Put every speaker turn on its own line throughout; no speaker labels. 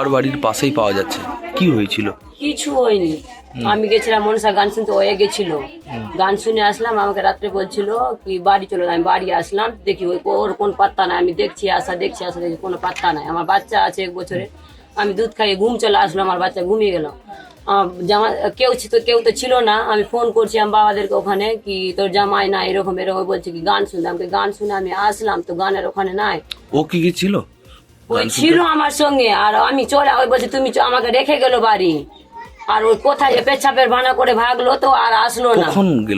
মামার বাড়ির পাশেই পাওয়া যাচ্ছে, কি হয়েছিল?
কিছু হয়নি। আমি গেছিলাম মনসা গান শুনতে, ও গেছিল, গান শুনে আসলাম। আমাকে রাত্রে বলছিল কি বাড়ি চলো, আমি বাড়ি আসলাম, দেখি ওর কোন পাত্তা নাই। আমি দেখছি আসা দেখি কোনো পাত্তা নাই। আমার বাচ্চা আছে 1 বছরের, আমি দুধ খাইয়ে ঘুম চলে আসলো, আমার বাচ্চা ঘুমিয়ে গেল। জামা কেউ তো ছিল না। আমি ফোন করছি আমার বাবাদেরকে ওখানে, কি তোর জামাই না এরকম এরকম, বলছে কি গান শুনতে। আমাকে গান শুনে আমি আসলাম, তো গানের ওখানে নাই।
ও কি ছিল?
ওই ছিল আমার সঙ্গে, আর আমি চলে ওই বলছি তুমি আমাকে রেখে গেল বাড়ি। আর ওই কোথায় যে পেছাপের ভানা করে ভাগলো, তো আর আসলো না।
কখন গেল?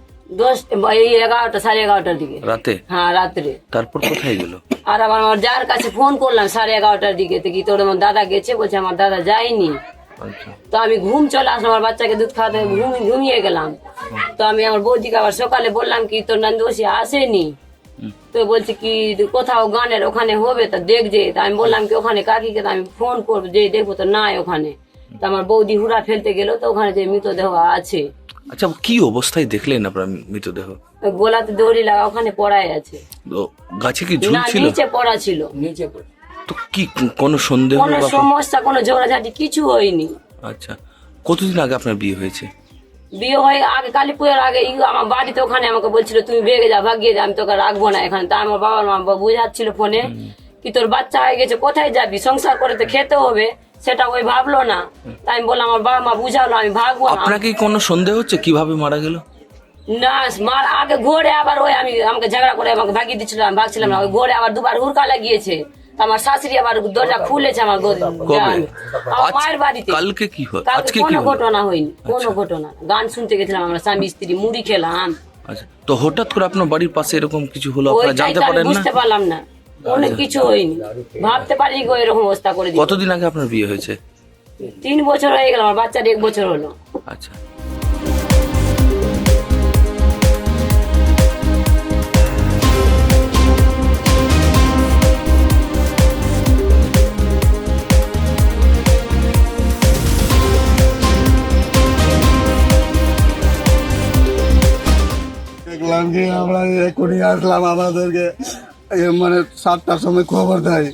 11টা 11:30টার দিকে
রাতে?
হ্যাঁ রাত্রে।
তারপর কোথায় গেল?
আর আবার আমার যার কাছে ফোন করলাম 11:30টার দিকে, তো কি তোর আমার দাদা গেছে, বলছে আমার দাদা যায়নি।
আচ্ছা।
তো আমি ঘুম চলে আসলাম, আমার বাচ্চাকে দুধ খাওয়াতে ঘুমিয়ে গেলাম। তো আমি আমার বৌদিকে আবার সকালে বললাম কি তোর নন্দোষী আসেনি। তো বলছে কি কোথাও গানের ওখানে হবে, তা দেখছে। তা আমি বললাম কি ওখানে কাকিকে আমি ফোন করবো, যে দেখবো, তো নাই ওখানে। তো আমার বৌদি হুড়া ফেলতে গেল, তো ওখানে যে মৃতদেহ আছে।
আচ্ছা, কি অবস্থায় দেখলেন আপনার মৃতদেহ?
গোলাতে দড়ি লাগা ওখানে পড়াই আছে।
তো গাছে কি
না,
ঝুলছিল?
নিচে পড়া ছিল।
তো কি কোনো সন্দেহ
কোনো সমস্যা, কোনো ঝগড়াঝাটি কিছু হয়নি।
আচ্ছা, কতদিন আগে আপনার বিয়ে হয়েছে?
বিয়ে হয়ে আগে কালী পুজোর আগে আমার বাড়িতে ওখানে আমাকে বলছিল তুমি ভেগে যা, ভাগিয়ে যা, আমি তোকে রাখবো না এখানে। তা আমার বাবার মা বুঝাচ্ছিল ফোনে কি তোর বাচ্চা হয়ে গেছে, কোথায় যাবি, সংসার করে তো খেতে হবে, সেটা ওই ভাবলো না। তাই আমি বললাম আমার বাবা মা বুঝালো আমি ভাগবো না।
আপনাকে কোনো সন্দেহ হচ্ছে কিভাবে মারা গেল?
না, মার আগে ঘোরে আবার ওই আমাকে ঝগড়া করে আমাকে ভাগিয়ে দিচ্ছিল, আমি ভাগছিলাম না। ওই ঘোরে আবার দুবার হুড়কা লাগিয়েছে। আমার শাশুড়ি আবার দরজা খুলেছে আমার মায়ের বাড়িতে।
কালকে কি হয়? আজকে
কোনো ঘটনা হয়নি, কোনো ঘটনা। গান শুনতে গেছিলাম আমরা স্বামী স্ত্রী, মুড়ি খেলাম।
আচ্ছা, তো হঠাৎ করে আপনার বাড়ির পাশে এরকম কিছু হলো, আপনারা জানতে পারেন না?
বুঝতে পারলাম না, অনেক কিছু হয়নি, ভাবতে পারিনি গো এরকম অবস্থা করে দিই।
কতদিন আগে আপনার বিয়ে হয়েছে?
3 বছর হয়ে গেল, আমার বাচ্চার 1 বছর হলো।
আচ্ছা।
দেখলাম কি আমরা এখনই আসলাম, আমাদেরকে মানে 7টার সময় খবর দেয়।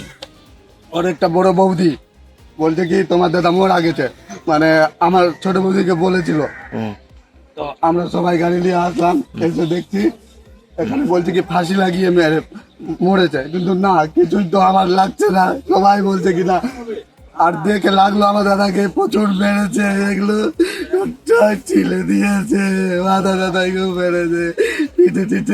ওর একটা বড় বৌদি বলছে কি তোমার দাদা মারা গেছে, মানে আমার ছোট বৌদিকে বলেছিল। তো আমরা সবাই গাড়ি নিয়ে আসলাম, এসে দেখছি এখানে বলছে কি ফাঁসি লাগিয়ে মরেছে, কিন্তু না, কিছুই তো আমার লাগছে না। সবাই বলছে কি না, আর দেখে লাগলো আমার দাদাকে প্রচুর মেরেছে, এগুলো ছিলে দিয়েছে, মাথা দাদাকেও মেরেছে, পিঠে পিঠে।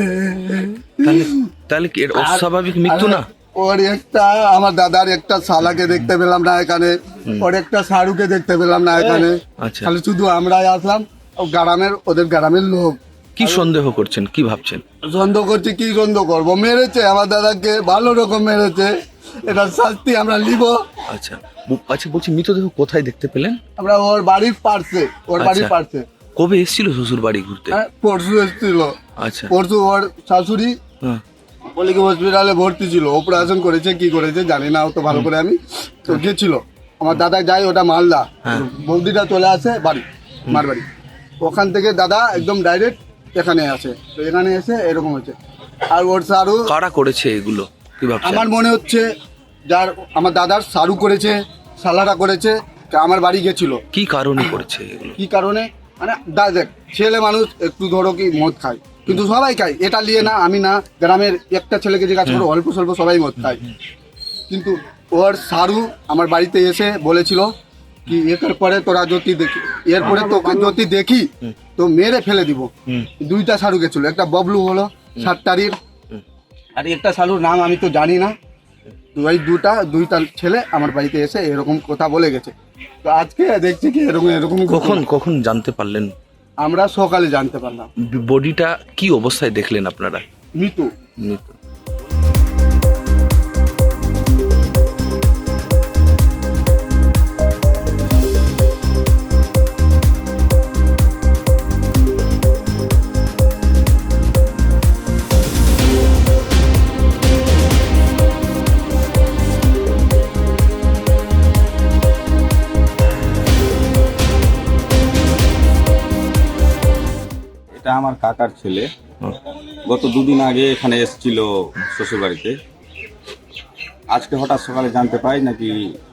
তাহলে কি এর অস্বাভাবিক মৃত্যু না?
ওর একটা আমার দাদার একটা শালাকে দেখতে পেলাম না এখানে, ওর একটা সারুকে দেখতে পেলাম না এখানে।
আচ্ছা,
খালি শুধু আমরাই আসলাম, ওদের গ্রামের লোক।
কি সন্দেহ করছেন, কি ভাবছেন?
সন্দেহ করছি, কি সন্দেহ করবো, মেরেছে আমার দাদাকে, ভালো রকম মেরেছে, এটার শাস্তি আমরা নিব।
আচ্ছা আচ্ছা, বলছি মৃতদেহ কোথায় দেখতে পেলেন?
আমরা ওর বাড়ির পার্শ্বে, ওর বাড়ির পার্শ্বে।
কবে এসেছিল শ্বশুর বাড়ি ঘুরতে?
পরশু এসেছিল।
আচ্ছা,
পরশু ওর শাশুড়ি বলে কি হসপিটালে ভর্তি ছিল, অপারেশন করেছে, কি করেছে জানি না অত ভালো করে। আমি তো গেছিল, আমার দাদা যায় ওটা মালদা, বৌদিটা চলে আসে বাড়ি, মার বাড়ি। ওখান থেকে দাদা একদম ডাইরেক্ট এখানে আসে, তো এখানে এসে এরকম হচ্ছে। আর ওর সারু
কারা করেছে এগুলো, কি ভাবছেন?
আমার মনে হচ্ছে যার আমার দাদার সারু করেছে, সালারা করেছে, আমার বাড়ি গেছিল।
কি কারণে করেছে এগুলো?
কি কারণে মানে দেখ, ছেলে মানুষ একটু ধরো কি মদ খায়, কিন্তু সবাই খায়, এটা নিয়ে না আমি না, গ্রামের একটা ছেলেকে জিজ্ঞাসা করো অল্প স্বল্প সবাই মদ খায়। কিন্তু ওর সারু আমার বাড়িতে এসে বলেছিল কি এর পরে তোরা যদি দেখি, এরপরে তোকে যদি দেখি তো মেরে ফেলে দিব। 2টা সারু গেছিল, একটা ববলু হলো 7 তারিখ, আর একটা সারুর নাম আমি তো জানি না। দুইটা ছেলে আমার বাড়িতে এসে এরকম কথা বলে গেছে। তো আজকে দেখছি কি এরকম।
কখন জানতে পারলেন?
আমরা সকালে জানতে পারলাম।
বডিটা কি অবস্থায় দেখলেন আপনারা?
মৃত্যু।
এটা আমার কাকার ছেলে, গত 2 দিন আগে এখানে এসেছিল শ্বশুর বাড়িতে। আজকে হঠাৎ সকালে জানতে পাই নাকি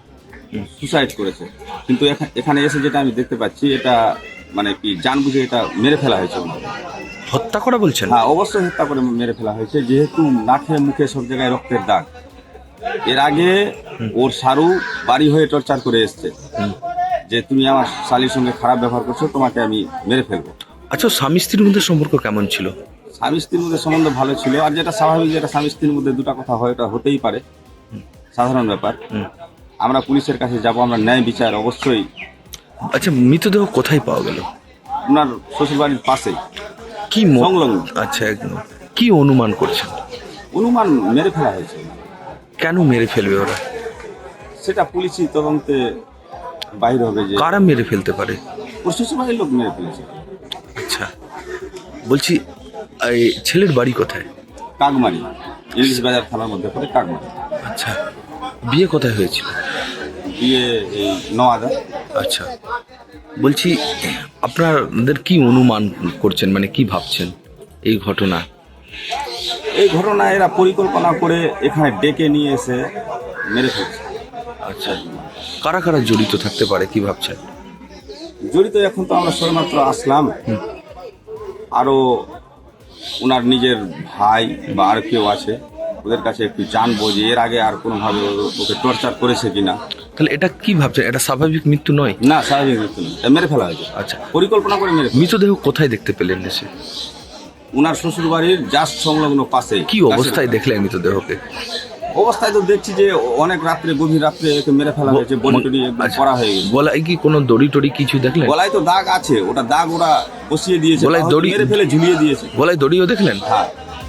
সুসাইড করেছে, কিন্তু এখানে এসে যেটা আমি দেখতে পাচ্ছি এটা মানে কি জানবুঝে এটা মেরে ফেলা হয়েছে।
হত্যা করা বলছেন?
হ্যাঁ, অবশ্যই হত্যা করে মেরে ফেলা হয়েছে, যেহেতু নাকে মুখে সব জায়গায় রক্তের দাগ। এর আগে ওর সারু বাড়ি হয়ে টর্চার করে এসছে যে তুমি আমার শালির সঙ্গে খারাপ ব্যবহার করছো, তোমাকে আমি মেরে ফেলবো।
আচ্ছা, স্বামী স্ত্রীর মধ্যে সম্পর্ক কেমন ছিল?
স্বামী স্ত্রীর মধ্যে সম্বন্ধ ভালো ছিল, আর যেটা স্বাভাবিক, যেটা স্বামী স্ত্রীর মধ্যে দুটা কথা হয় এটা হতেই পারে, সাধারণ ব্যাপার। আমরা পুলিশের কাছে যাব, আমরা ন্যায় বিচার অবশ্যই।
আচ্ছা, মৃতদেহ কোথায় পাওয়া গেল?
ওনার শ্বশুর বাড়ির পাশেই,
কি
সংলগ্ন।
আচ্ছা, একদম। কি অনুমান করছেন?
অনুমান মেরে ফেলা হয়েছে।
কেন মেরে ফেলবে ওরা?
সেটা পুলিশি তদন্তে বাইরে হবে যে
কারা মেরে ফেলতে পারে।
ওর শ্বশুর বাড়ির লোক মেরে ফেলেছে।
আচ্ছা, বলছি এই ছেলের বাড়ি কোথায়?
কাকমারি, ইংলিশ বাজার থানার মধ্যে পড়ে কাকমারি।
আচ্ছা, বিয়ে কোথায় হয়েছিল?
বিয়ে এই নওয়াদা।
আচ্ছা, বলছি আপনাদের কি অনুমান করছেন, মানে কি ভাবছেন এই ঘটনা?
এই ঘটনা এরা পরিকল্পনা করে এখানে ডেকে নিয়ে এসে মেরে ফেলছে।
আচ্ছা, কারা কারা জড়িত থাকতে পারে কি ভাবছেন?
জড়িত এখন তো আমরা সবেমাত্র আসলাম, আরো ওনার নিজের ভাই বা আর কেউ আছে, ওদের কাছে একটু জানবো যে এর আগে আর কোনোভাবে ওকে টর্চার করেছে কিনা।
তাহলে এটা কি ভাবছেন, এটা স্বাভাবিক মৃত্যু নয়?
না, স্বাভাবিক মৃত্যু নয়, এটা মেরে ফেলা হয়েছে।
আচ্ছা,
পরিকল্পনা করে মেরে ফেলা।
মৃতদেহ কোথায় দেখতে পেলেন এসে?
ওনার শ্বশুর বাড়ির জাস্ট সংলগ্ন পাশে।
কি অবস্থায় দেখলেন মৃতদেহকে?
অবস্থায় তো দেখছি যে অনেক রাত্রে, গভীর রাত্রে একে মেরে ফেলা হয়েছে, বডি টডি করা হয়ে গেছে।
গলায় কি কোনো দড়ি টড়ি কিছু দেখলেন?
গলায় তো দাগ আছে, ওটা দাগ ওরা বসিয়ে দিয়েছে,
গলায় দড়ি
মেরে ফেলে ঝুলিয়ে দিয়েছে।
গলায় দড়িও দেখলেন?
হ্যাঁ।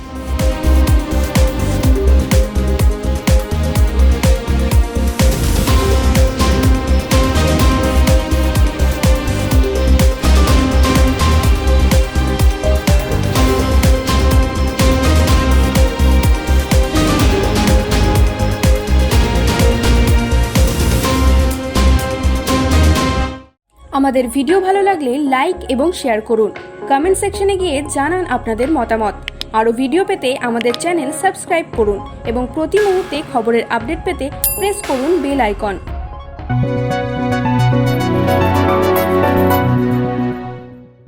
আমাদের ভিডিও ভালো লাগলে লাইক এবং শেয়ার করুন। কমেন্ট সেকশনে গিয়ে জানান আপনাদের মতামত। আরও ভিডিও পেতে আমাদের চ্যানেল সাবস্ক্রাইব করুন এবং প্রতি মুহূর্তে খবরের আপডেট পেতে প্রেস করুন বেল আইকন।